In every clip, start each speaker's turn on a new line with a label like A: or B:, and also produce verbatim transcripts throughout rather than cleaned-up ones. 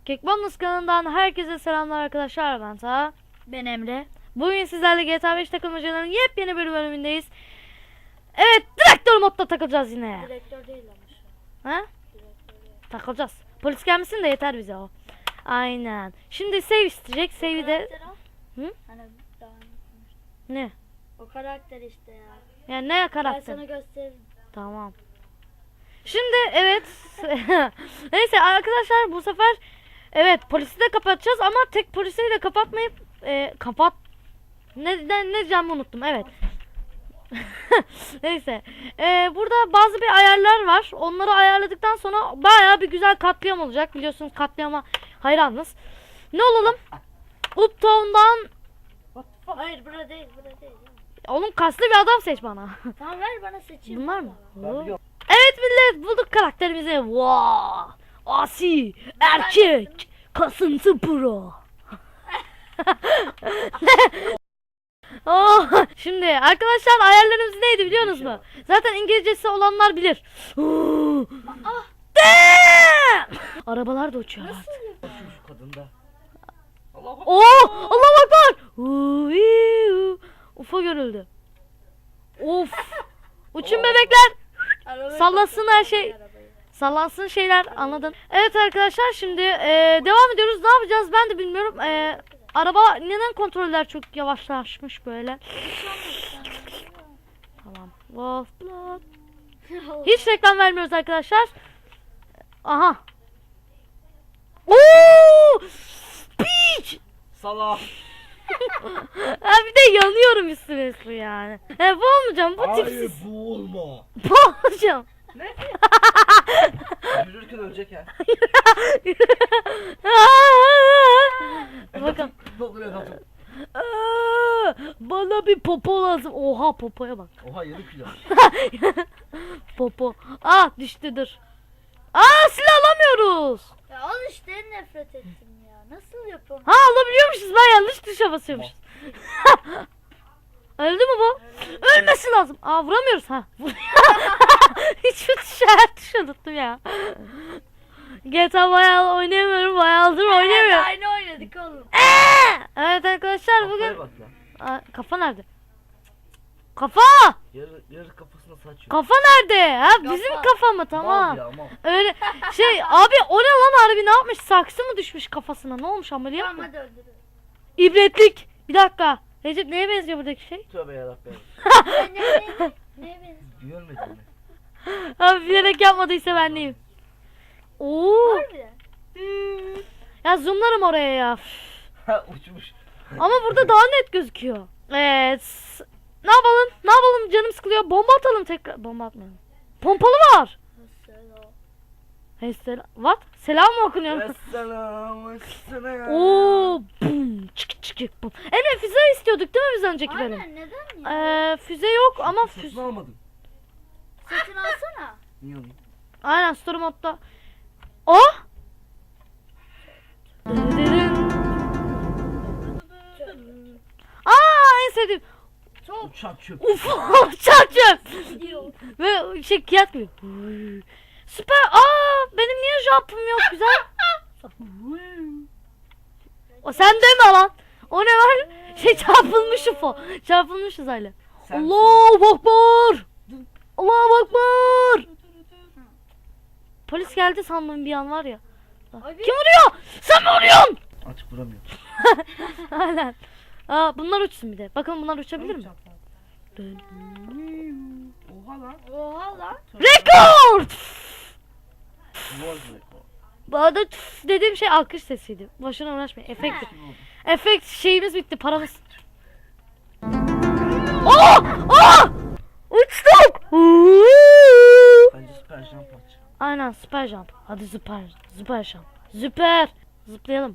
A: Kekbonus kanalından herkese selamlar arkadaşlar, ben Taha.
B: Ben Emre.
A: Bugün sizlerle G T A beş takılmacaların yepyeni bir bölümündeyiz. Evet, direktör modda takılacağız yine.
B: Direktör değil ama şu.
A: Ha? Takılacağız. Polis gelmesin de yeter bize o. Aynen. Şimdi save isteyecek. Save'i de... Hı?
B: Hani daha
A: Ne?
B: o karakter işte ya.
A: Yani ne
B: Ben
A: karakter?
B: sana gösteririm.
A: Tamam. Şimdi evet. Neyse arkadaşlar, bu sefer evet polisi de kapatacağız ama tek polisi de kapatmayıp e, kapat ne ne, ne diyeceğimi unuttum. Evet. Neyse. E, burada bazı bir ayarlar var. Onları ayarladıktan sonra bayağı bir güzel katliam olacak. Biliyorsunuz katliama hayranız. Ne olalım? Uptown'dan.
B: Hayır burada değil burada değil.
A: Oğlum kaslı bir adam seç bana.
B: Tamam ver bana seçeyim.
A: Bunlar mı?
C: Ben biliyorum.
A: Evet millet, bulduk karakterimizi. Wow! Asi, erkek, kasıntı pro. Oh, şimdi arkadaşlar ayarlarımız neydi biliyorsunuz mu? Zaten İngilizcesi olanlar bilir.
B: Ah!
A: Damn! Arabalar da uçuyor artık.
C: Şu şu kadında. Allah bak.
A: Oh! Allah akbar! Uuu, Ufa görüldü. Of! Uçun bebekler.
B: Arabayı
A: Sallasın
B: kapat,
A: her şey.
B: arabayı.
A: Sallansın şeyler, anladın. Evet arkadaşlar, şimdi e, devam ediyoruz. Ne yapacağız ben de bilmiyorum. E, araba neden kontroller çok yavaşlaşmış böyle. Tamam. Wolf Blood. Hiç reklam vermiyoruz arkadaşlar. Aha. Oo! Peach!
C: Salak.
A: Ha bir de yanıyorum üstüne üstüne yani. E, bu olmayacağım, bu
C: Hayır
A: tipsiz.
C: bu olma.
A: Bu olmayacağım.
C: Yürürken ölecek ha.
A: Bakın.
C: Dokunuyor kapı.
A: Aa, bana bir popo lazım. Oha, popoya bak.
C: Oha yarım kilo.
A: Popo. Ah düştü, dur. Aa, silah alamıyoruz.
B: Ya al işte nefret ettim ya. Nasıl yapalım?
A: Ha, alabiliyormuşuz, ben yanlış tuşa basıyormuşuz. Öldü mü bu? Ölmesi lazım. Aa, vuramıyoruz ha. Hiçbir tuşa, her tuşa unuttum ya. G T A bayağı oynayamıyorum, bayağıdır oynayamıyorum.
B: Aynı oynadık oğlum.
A: Evet arkadaşlar,
C: Kafaya
A: bugün
C: bak lan.
A: Aa, kafa nerede? Kafa!
C: Yarı, yarı kafasına saçıyor.
A: Kafa nerede? Ha, bizim
B: Kafa.
A: kafa mı? Tamam.
C: Mal ya, mal.
A: Öyle şey abi, o ne lan, harbi ne yapmış? Saksı mı düşmüş kafasına? Ne olmuş, ameliyat
B: Tamam
A: mı?
B: hadi öldürün.
A: İbretlik. Bir dakika. Recep neye benziyor buradaki şey?
C: Tövbe yarabbim.
B: Ne ne ne? Neye benziyor?
C: Görmedin mi?
A: Abi bilerek yapmadıysa ben neyim? Oo.
B: Harbiden.
A: Hmm. Ya zoomlarım oraya ya.
C: Ha uçmuş.
A: Ama burada daha net gözüküyor. Evet. Ne yapalım? Ne yapalım? Canım sıkılıyor. Bomba atalım tekrar. Bomba atmayalım. Pompalı var.
B: Mesela.
A: Hey, selam. What? Selam mı okunuyor?
C: Esselam esselam.
A: Oo, bum, çık çık bum. Evet, füze istiyorduk değil mi biz önceki bölüm?
B: Aynen neden ya?
A: Ee, füze yok ama füze.
C: Satın almadım.
B: Satın alsana.
C: Niye alayım?
A: Aynen, story modda. Oh! Aa, en sevdiğim.
B: Çok
C: Uçak çöp.
A: Uf, çarçım.
B: gidiyor.
A: Ve şey, kıyat gibi. Süper. Aa, benim niye jump'ım yok güzel? O sen deme lan. O ne var? Şey, çarpılmış U F O. Çarpılmışız hala.
C: Sen-
A: Allahu Akbar. Allahu Akbar. Polis geldi sandım bir an, var ya.
B: Abi.
A: Kim vuruyor? Sen mi vuruyorsun?
C: Artık vuramıyorum.
A: Aynen. Aa, bunlar uçsun bir de. Bakın bunlar uçabilir mi?
C: Oha lan.
B: Oha lan.
A: Rekord!
C: World record.
A: Bana tüf dediğim şey alkış sesiydi. Boşuna uğraşmayın. Efekt. Efekt şeyimiz bitti. Paramız. Oh! Oh! Uçtuk!
C: Bence süper jump aç.
A: Aynen, süper jump. Hadi süper. Süper jump. Süper. Zıplayalım.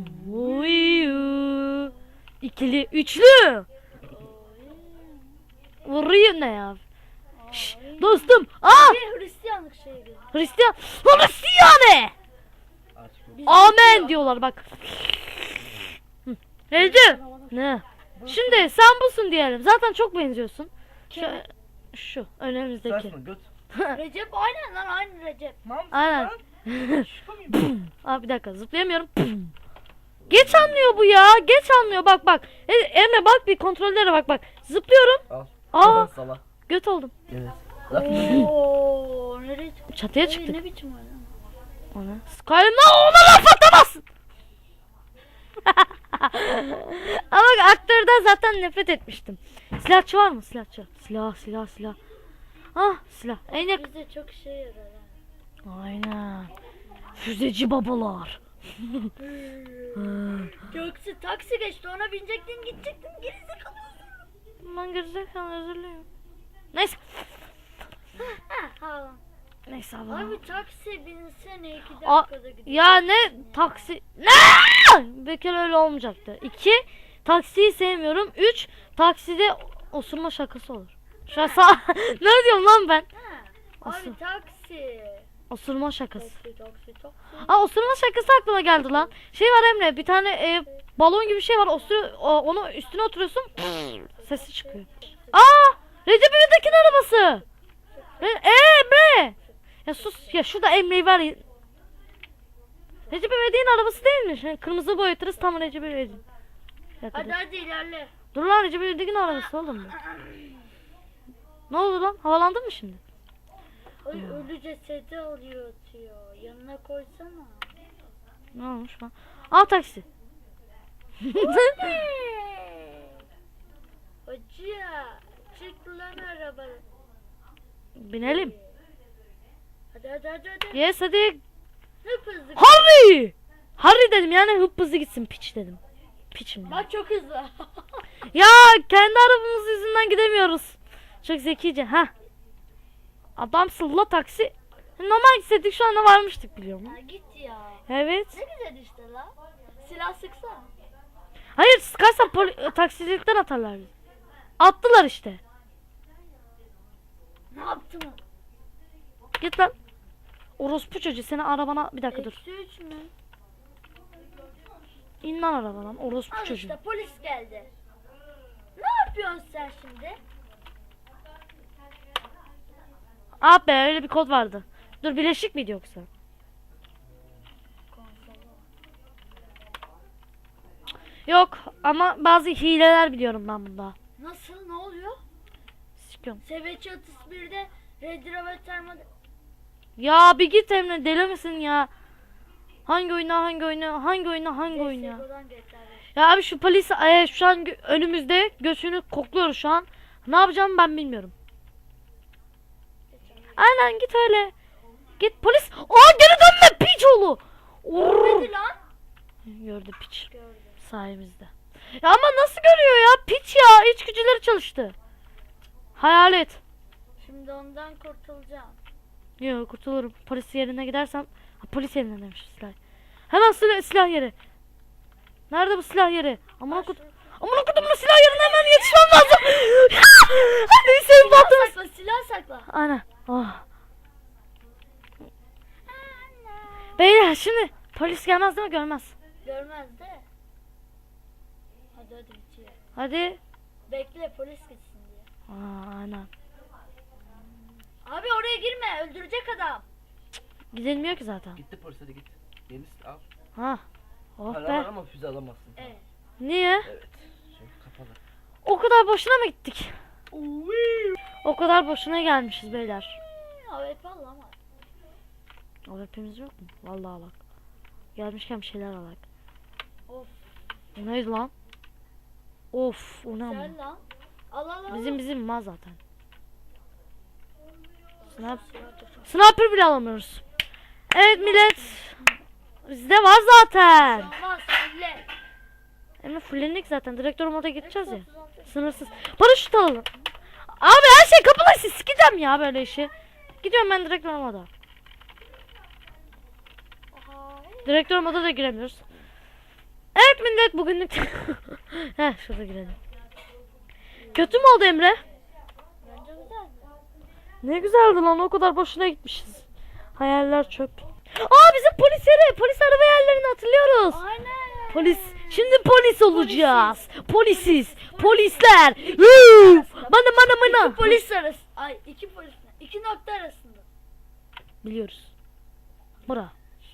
A: İkili, üçlü. Vuruyor ne ya? Şş, dostum. Aa!
B: Bir Hristiyanlık şeyi gibi.
A: Hristiyan. Hristiyan.
C: Artık yok.
A: Amen diyorlar bak. Hı. Recep. Ne? Şimdi sen busun diyelim. Zaten çok benziyorsun. Şu, şu önümüzdeki.
C: Saçma göt.
B: Recep aynen lan aynı Recep.
C: Mam
A: Aynen. Aa bir dakika zıplayamıyorum. Geç anlıyor bu ya. Geç anlıyor bak bak. E, Emre bak bir kontrollere bak bak. Zıplıyorum.
C: Al.
A: Aa
C: Sala.
A: göt oldum.
C: Evet.
B: Oo, nereye çıktı?
A: Çatıya
B: Ay,
A: çıktık.
B: ne biçim oyun?
A: Ona. Skyrim'den ona laf atamazsın. Ama bak, aktörden zaten nefret etmiştim. Silahçı var mı? Silahçı. Silah silah silah. Ah silah. En yakın.
B: Bize çok işe yarar ha.
A: Aynen. Füzeci babalar.
B: Göksu taksi geçti, ona binecektin gidecektin, gerizekalı.
A: Ben gerizekalı özür dilerim. Neyse.
B: Ha ha.
A: Neyse abi.
B: Abi taksi binsene iki
A: Aa,
B: dakikada gidiyor.
A: ya ne taksi ne? Bir kere öyle olmayacaktı. İki taksiyi sevmiyorum. Üç takside osurma şakası olur. Şu an sağ... ne diyorum lan ben?
B: Ha.
A: Asıl.
B: Abi taksi.
A: Osurma şakası.
B: Taksi taksi taksi.
A: Aa osurma şakası aklıma geldi lan. Şey var Emre bir tane e, balon gibi bir şey var. Osur, o, onu üstüne oturuyorsun. Sesi çıkıyor. Aa Recep İvedik'in arabası. Re e, Emre. Ya sus ya şurada Emre'yi var ya. Recep İvedik'in arabası değilmiş. Yani kırmızı boyatırız tam Recep İvedik. Bir dakika,
B: Hadi
A: dur.
B: hadi ilerle.
A: Dur lan Recep İvedik'in arabası oğlum bu. Ne oldu lan? Havalandın mı şimdi?
B: Ay ölü cesedi alıyor atıyor. Yanına koysana.
A: Ne olmuş lan? Al taksi.
B: Hoca çık lan arabayı.
A: Binelim.
B: Hadi hadi hadi hadi.
A: Yes hadi.
B: Ne hızlı.
A: Harry! Harry dedim yani hıp hızlı gitsin piç dedim. Piçim ya.
B: Bak çok hızlı.
A: Ya kendi arabamız yüzünden gidemiyoruz. Çok zekice ha. Adamsın la taksi. Normal gitseydik şu anda varmıştık biliyor musun?
B: Ya git ya.
A: Evet.
B: Ne güzel işte la. Silah sıksana.
A: Hayır sıkarsan poli- taksicilikten atarlar bizi. Attılar işte.
B: Ne yaptın?
A: Git lan. Orospu çocuğu seni arabana bir dakika dur.
B: Eksi üç mü?
A: İn lan arabadan orospu
B: Al
A: çocuğu.
B: işte polis geldi. Ne yapıyorsun sen şimdi?
A: Ah be öyle bir kod vardı. Dur bileşik miydi yoksa? Yok ama bazı hileler biliyorum ben bunda.
B: Nasıl? Ne oluyor?
A: Sikiyorum.
B: Seveçi otuz birde Red Rover Terma'da...
A: Ya bir git Emre deli misin ya? Hangi oyuna hangi oyuna hangi oyuna hangi oyuna?
B: C S G O'dan G T A beş.
A: Ya abi şu polis e, şu an gö- önümüzde göğsünü kokluyor şu an. Ne yapacağımı ben bilmiyorum. Aynen git öyle. Git polis. Aa geri dönme piç oğlu. Oo.
B: Görmedi lan.
A: Gördü piç.
B: Gördüm.
A: Sayemizde. Ya ama nasıl görüyor ya? Piç ya. İç gücüleri çalıştı. Hayalet.
B: Şimdi ondan kurtulacağım.
A: Yok kurtulurum. Polis yerine gidersem. Ha, polis yerine demiş silah. Hemen silah, silah yeri. Nerede bu silah yeri? Aman okut. Aman okudum bu silah yerine hemen yetişmem lazım. Hadi senin
B: Silah
A: bahtımız.
B: sakla, silah sakla.
A: Ana. Oh. Beyler şimdi polis gelmez değil mi? Görmez.
B: Görmez de. Hadi hadi bitiyor.
A: Hadi.
B: Bekle polis gitsin diye.
A: Aa, aynen.
B: Abi oraya girme, öldürecek adam.
A: Gidilmiyor ki zaten.
C: Gitti polis hadi git. Yenisi al.
A: Ha. Oh
C: Para
A: be.
C: var ama füze alamazsın.
B: Evet.
A: Niye?
C: Evet. Şey kapalı.
A: O kadar boşuna mı gittik? O kadar boşuna gelmişiz beyler.
B: A W P al ama.
A: O hepimiz yok mu? Vallahi bak. Gelmişken bir şeyler alak.
B: Of.
A: O neydi lan? Of o ne ama?
B: Sen lan. Al al al.
A: Bizim bizim mal zaten. Snap.
B: Silah tut.
A: Sniper bile alamıyoruz. Evet millet. Bizde var zaten.
B: Olmaz, öyle.
A: Ama fullendik zaten. Direktör moda gideceğiz ya. Sınırsız. Paraşüt alalım. Abi her şey kapalı. Siz sikeceğim ya böyle işi. Gidiyorum ben direktör moda. Direktör moda da giremiyoruz. Evet millet bugünlük. Heh şurada girelim. Kötü mü oldu Emre?
B: Bence güzel.
A: Ne güzeldi lan o kadar boşuna gitmişiz. Hayaller çöp. Aa bizim polis yeri. Polis araba yerlerini hatırlıyoruz.
B: Aynen.
A: Polis. Şimdi polis olacağız. Polisiz. Polisler. Woo! Bana bana bana.
B: İki polis arası. Ay iki polis. İki nokta arasında.
A: Biliyoruz. Bura.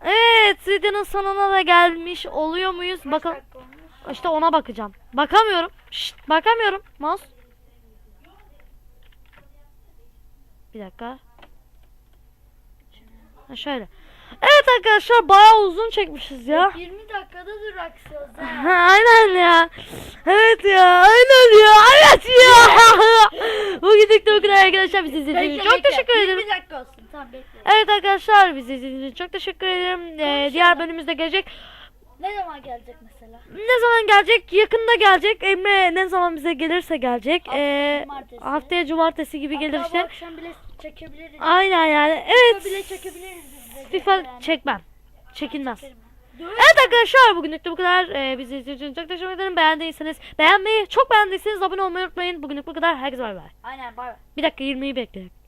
A: Evet, videonun sonuna da gelmiş oluyor muyuz? Bakalım.
B: Dakika olmuş.
A: İşte ona bakacağım. Bakamıyorum. Şşt, bakamıyorum. Mouse. Bir dakika. Ha, şöyle. Evet arkadaşlar bayağı uzun çekmişiz ya.
B: yirmi dakikada duraksıyoruz
A: Ha,
B: ha.
A: aynen ya. Evet ya. Aynen ya. Evet ya. Bugünlük de bu kadar arkadaşlar. Bizi izlediğiniz için çok teşekkür ederim.
B: yirmi dakika olsun. Tamam bekle.
A: Evet arkadaşlar bizi izlediğiniz için çok teşekkür ederim. Ee,
B: Konuşalım.
A: diğer bölümümüzde gelecek.
B: Ne zaman gelecek mesela?
A: Ne zaman gelecek? Yakında gelecek. Emre ne zaman bize gelirse gelecek.
B: Haftaya
A: Ee,
B: cumartesi.
A: haftaya cumartesi gibi gelir
B: Hatta bu
A: işte.
B: akşam bile çekebiliriz.
A: Aynen yani.
B: FIFA
A: Evet.
B: bile çekebiliriz biz de.
A: FIFA
B: Yani.
A: çekmem. Çekilmez.
B: Çekerim ben. Dur.
A: Evet arkadaşlar bugünlük de bu kadar. Ee, bizi izlediğiniz için çok teşekkür ederim. Beğendiyseniz beğenmeyi, çok beğendiyseniz abone olmayı unutmayın. Bugünlük bu kadar. Herkese bay bay.
B: Aynen bay bay.
A: Bir dakika yirmiyi bekleyin.